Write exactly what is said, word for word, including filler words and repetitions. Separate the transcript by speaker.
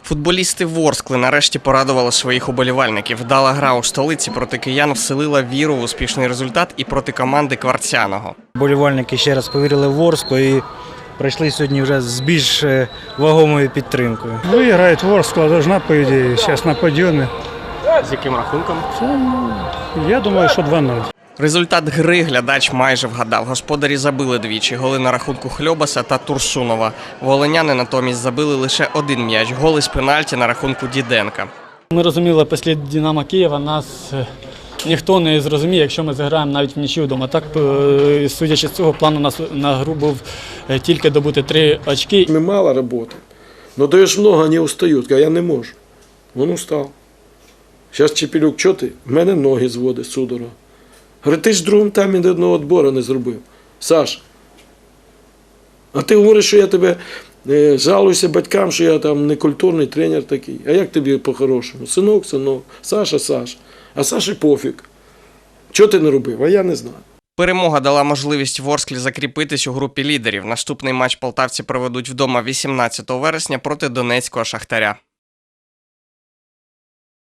Speaker 1: Футболісти Ворскли нарешті порадували своїх уболівальників. Вдала гра у столиці проти киян вселила віру в успішний результат і проти команди Кварцяного.
Speaker 2: Вболівальники ще раз повірили в Ворсклу і прийшли сьогодні вже з більш вагомою підтримкою.
Speaker 3: Виграє Ворскла, должна, по ідеї, зараз на підйомі.
Speaker 1: З яким рахунком?
Speaker 3: Я думаю, що два нуль.
Speaker 1: Результат гри глядач майже вгадав. Господарі забили двічі. Голи на рахунку Хльобаса та Турсунова. Волиняни натомість забили лише один м'яч. Голи з пенальті на рахунку Діденка.
Speaker 4: Ми розуміли, після Динамо Києва нас ніхто не зрозуміє, якщо ми зіграємо навіть в нічию вдома. Так, судячи з цього, план у нас на гру був тільки добути три очки.
Speaker 5: Мы мало работаем, но даешь много, они устают. Я не можу. Он устал. Зараз Чепелюк, що ти? В мене ноги зводить судорога. Говорить, ти ж в другому таймі ні одного відбору не зробив. Саш, а ти говориш, що я тебе е, жалуюся батькам, що я там некультурний тренер такий. А як тобі по-хорошому? Синок, синок, Саша, Саша. А Саші пофіг. Чого ти не робив? А я не знаю.
Speaker 1: Перемога дала можливість Ворсклі закріпитись у групі лідерів. Наступний матч полтавці проведуть вдома вісімнадцятого вересня проти Донецького Шахтаря.